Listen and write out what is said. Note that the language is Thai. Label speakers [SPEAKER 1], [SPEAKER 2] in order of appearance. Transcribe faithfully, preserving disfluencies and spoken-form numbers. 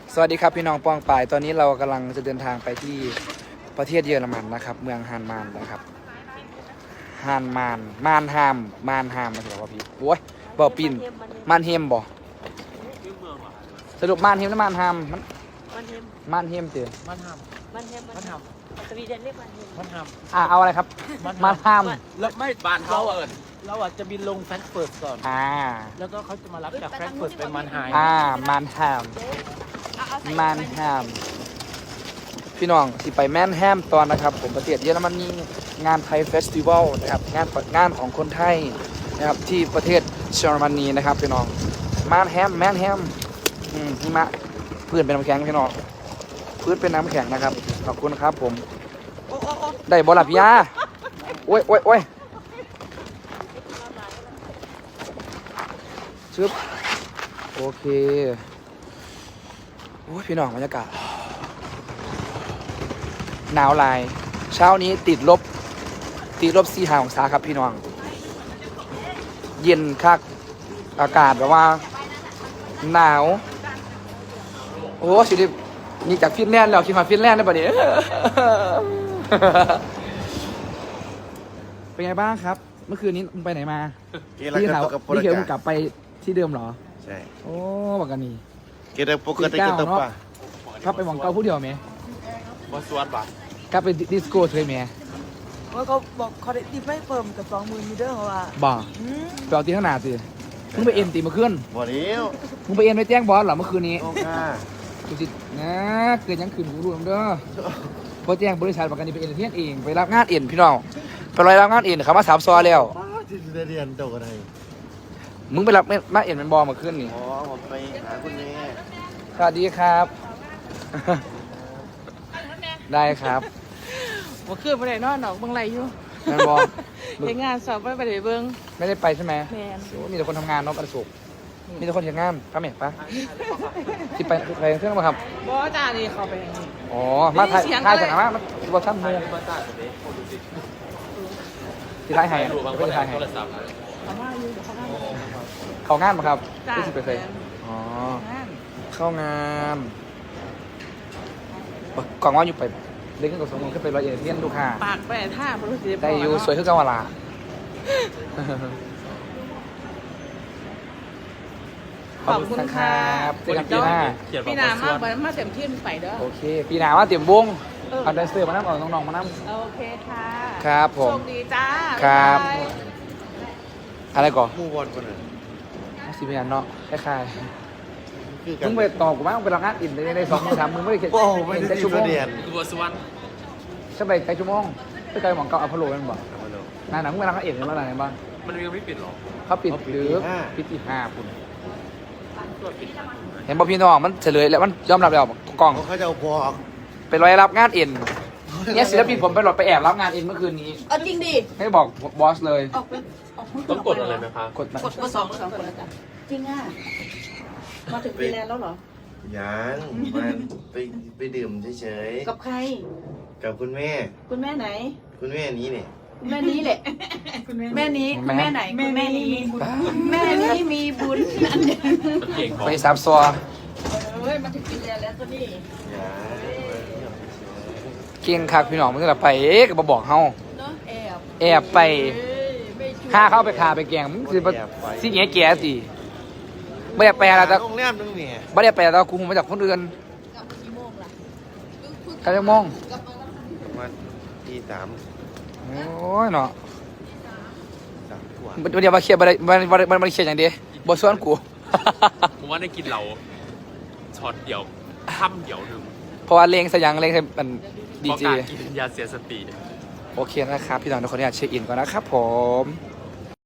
[SPEAKER 1] สวัสดีครับพี่น้องปองปายตอนนี้เรากำลังจะเดินทางไปที่ประเทศเยอรมันนะครับเมืองฮานมานนะครับฮานมานมานฮามมานฮามมาถึงแล้วว่าพี่โอ้ยบ่อปินมานเฮมบ่สรุปมานเฮมหรือมานฮามมัน
[SPEAKER 2] มันเฮม
[SPEAKER 1] มานเฮมเจอ
[SPEAKER 3] มันท
[SPEAKER 2] มันเฮม
[SPEAKER 3] ำมันท
[SPEAKER 2] สวีเดนเรียกมันเฮม
[SPEAKER 3] ำมันท
[SPEAKER 1] อ่าเอาอะไรครับ
[SPEAKER 3] ำมัน
[SPEAKER 1] มานฮาม
[SPEAKER 3] แล้วไม่บ้านเขาเอิญเราอาจจะบินลงแฟรงก์เฟิร์ตก่อน
[SPEAKER 1] อ่า
[SPEAKER 3] แล้วก็เขาจะมารับจากแฟรงก์เฟิร์ตไปมันไฮ
[SPEAKER 1] อ่ามานฮามมานฮามพี่น้องที่ไปแมนแฮมตอนนะครับผมประเทศเยอรมนีงานไทยเฟสติวัลนะครับงานเปิดงานของคนไทยนะครับที่ประเทศเยอรมนีนะครับพี่น้องมานแฮมแมนแฮมอืมหิมะพื้นเป็นน้ำแข็งพี่น้องพื้นเป็นน้ำแข็งนะครับขอบคุณครับผมได้บอลลับยาโอ้ยโอ้ยโอ้ยชึบโอเคโอ้ยพี่น้องบรรยากาศหนาวลายเช้านี้ติดลบติดลบสี่ห้าองศาครับพี่น้องเย็นคักอากาศแบบว่าหนาวโอ้สิดินี่จากฟินแลนด์แล้วคิดว่าฟินแลนด์ได้ปะเนี่ย เป็นไงบ้างครับ เมื่อคืนนี้มึงไปไหนมาพี่ถามพี่เขียวมึงกลับไปที่เดิมเหรอ
[SPEAKER 4] ใช่
[SPEAKER 1] โอ้บอกกันนี่
[SPEAKER 4] เกดปกติก็ต้องป่ะ
[SPEAKER 1] ครับไปหมองเก้าผู้เดียวไหม
[SPEAKER 3] บอสวนป่ะ
[SPEAKER 1] กลับไปดิสโก้เคยไหม
[SPEAKER 2] ว่าเขาบอกเขาได้ติดไม่เฟิร์มกับสองมือมีเด้อเขาว่า
[SPEAKER 1] บ่ไปเอาตีข้างหน้าสิมึงไปเอ็นตีเมื่อคืน
[SPEAKER 4] บ่เลี้ยว
[SPEAKER 1] มึงไปเอ็นไปแจ้งบอสเหรอเมื่อคืนนี้
[SPEAKER 4] โอ้ค่ะ
[SPEAKER 1] ดูสินะเกิดยังคืนกูรู้เด้อพอแจ้งบริษัทประกันนี่ไปเอ็นเทียนเองไปรับงานเอ็นพี่น้องไปรายรับงานเอ็นเขามาสามซอแล้ว
[SPEAKER 4] ที่ได้เรียนเจ้ากันไง
[SPEAKER 1] มึงไปรับมาเอ็นเป็นบอลเมื่อคืนนี่
[SPEAKER 4] อ๋อผมไปหาคุณแม่
[SPEAKER 1] สวัสดีครับ ได้ครับ
[SPEAKER 2] ว่าคือไปไหนนอนหนอกบางไรอยู่
[SPEAKER 1] งานบอล
[SPEAKER 2] เห็นงานสอบไปไปไหนเบิ้ง
[SPEAKER 1] ไม่ได้ไปใช่ไหม
[SPEAKER 2] แมน
[SPEAKER 1] โอ้มีแต่คนทำงานเนาะประสบมีแต่คนเห็นงานป้าเมฆปะที่ไปไปเครื่องมาครับ
[SPEAKER 2] บอจ้านี่เขาไปอย่างนี้
[SPEAKER 1] อ๋อ มาถ่าย
[SPEAKER 2] มีเสียง
[SPEAKER 1] ถ่าย
[SPEAKER 2] ด้วย
[SPEAKER 1] จากไหนมาบอท่านมูที่ท้ายให้ไม่ได้ท้ายให้
[SPEAKER 2] เขามาอยู่เดี๋ยวเขามาอยู่
[SPEAKER 1] เข้างานมาครับ
[SPEAKER 2] จ้า
[SPEAKER 1] ที่สิบเปอร์เซ็นต์อ๋อ
[SPEAKER 2] งาน
[SPEAKER 1] เข้างานกล่องว่าอยู่ไปเล่นขึ้นกับสมมติขึ้นไปร้อยเอ็ดเทียนลูกค้า
[SPEAKER 2] ปากไปท่าบริสุทธิ์
[SPEAKER 1] ได้อยู่สวยขึ้นกันวลาขอบคุณครับเจอกันปีหน้า
[SPEAKER 2] พี่นามากมาเต็มที่ไปเด้อ
[SPEAKER 1] โอเค ปีหน้าว่าเตรียมวง
[SPEAKER 2] เออ
[SPEAKER 1] เอาแดนเซอร์มานั่งเอาน้องๆมานั่ง
[SPEAKER 2] โอเคค่ะ
[SPEAKER 1] ครับผม
[SPEAKER 2] โชคดีจ้า
[SPEAKER 1] ครับ
[SPEAKER 2] าย
[SPEAKER 1] อะไรก่อน
[SPEAKER 4] มู่บอลคนนั้น
[SPEAKER 1] สิบเอ็ดเนาะคล้าย
[SPEAKER 4] คือ
[SPEAKER 1] ๆ
[SPEAKER 4] กัน
[SPEAKER 1] มึงไปตอบกูมั้งมึงไปรับงานอินในในสองมือสามมือไม่ได้เขียน
[SPEAKER 4] โอ้ไม่ได้
[SPEAKER 1] แค่
[SPEAKER 4] ที่
[SPEAKER 1] ชั่วโมง
[SPEAKER 4] เรียน
[SPEAKER 3] คือบอสวน
[SPEAKER 1] ใช่ไปแค่ชั่วโมงไม่ไกลหมองเก่าอัพโหลดมันบอกนายหนังมึงไปรับงานอินในเมื่อไหร่บ้าง
[SPEAKER 3] มันยังไม่ปิดหรอ
[SPEAKER 1] เขาปิดหรือปิดที่ห้าคุณเห็นบอกพี่น้องมันเฉลยแล้วมันยอมรับแล้วกล้อง
[SPEAKER 4] เขาจะเอาบอก
[SPEAKER 1] ไปรอยรับงานเอ็นเนี่ยศิลปินผมไปหลดไปแอบรับงานเอ็นเมื่อคืนนี้
[SPEAKER 2] เอาจริงดิ
[SPEAKER 1] ไม่บอกบอสเลย
[SPEAKER 2] ออกไปออก
[SPEAKER 3] ต้องกดอะไรไหมคะ
[SPEAKER 1] กดมาก
[SPEAKER 2] ดมาสองสองคนแล้วกันจริงอ่ะมาถึงฟีแลนด์แล้วเหรอ
[SPEAKER 4] ยังมันไปไปดื่มเฉย
[SPEAKER 2] กับใคร
[SPEAKER 4] ๆกับคุณแม่
[SPEAKER 2] คุณแม่ไหน
[SPEAKER 4] คุณแม่นี้เนี่ย
[SPEAKER 2] คุณแม่นี้แหละ แม่นี้คุณแม่ไหนคุณแม่นี้มีบุญ
[SPEAKER 1] บ้า
[SPEAKER 2] แม่นี้มีบุญอันเดียว
[SPEAKER 3] มันเก่งของ
[SPEAKER 1] ไปสามซอ
[SPEAKER 2] เฮ้ยมาถึงฟีแลนด์แล้วก็นี่
[SPEAKER 4] ยัง
[SPEAKER 1] เก่งคักพี่น้องมึงก็ไปเอ๊ะก็มาบอกเฮา
[SPEAKER 2] เนาะแอบ
[SPEAKER 1] แอบไป
[SPEAKER 2] เอ้ยไม่ช่วย
[SPEAKER 1] ห้าเข้าไปคาไปแกงมึงสิบ่สิแง่แก่สิไม่ได้แปลอะไรแต่
[SPEAKER 4] โรงแรมนึงเนี่ย
[SPEAKER 1] ไม่ได้แปลแต่กูมาจากคนอื่น
[SPEAKER 2] กลับมากี่โมงล่ะ
[SPEAKER 1] กันยังมอง
[SPEAKER 2] กลับมาแล้ว
[SPEAKER 4] ประมาณตีสาม
[SPEAKER 1] โอ้ยเนาะ
[SPEAKER 4] สามกว่า
[SPEAKER 1] มันเดี๋ยวมาเคลียร์บันมันมันมันมันเคลียร์อย่างเดียวบอส่วนกู
[SPEAKER 3] ผมว่าได้กินเราช็อตเดียวค่ำเดียวหนึ่ง
[SPEAKER 1] เพราะว่าเลงสยังเลงใส่มันดี
[SPEAKER 3] เพราะ
[SPEAKER 1] เจ
[SPEAKER 3] การกินยาเสียสติ
[SPEAKER 1] โอเคนะครับ พี่น้องทุกคนอยากเช็คอินก่อนนะครับผม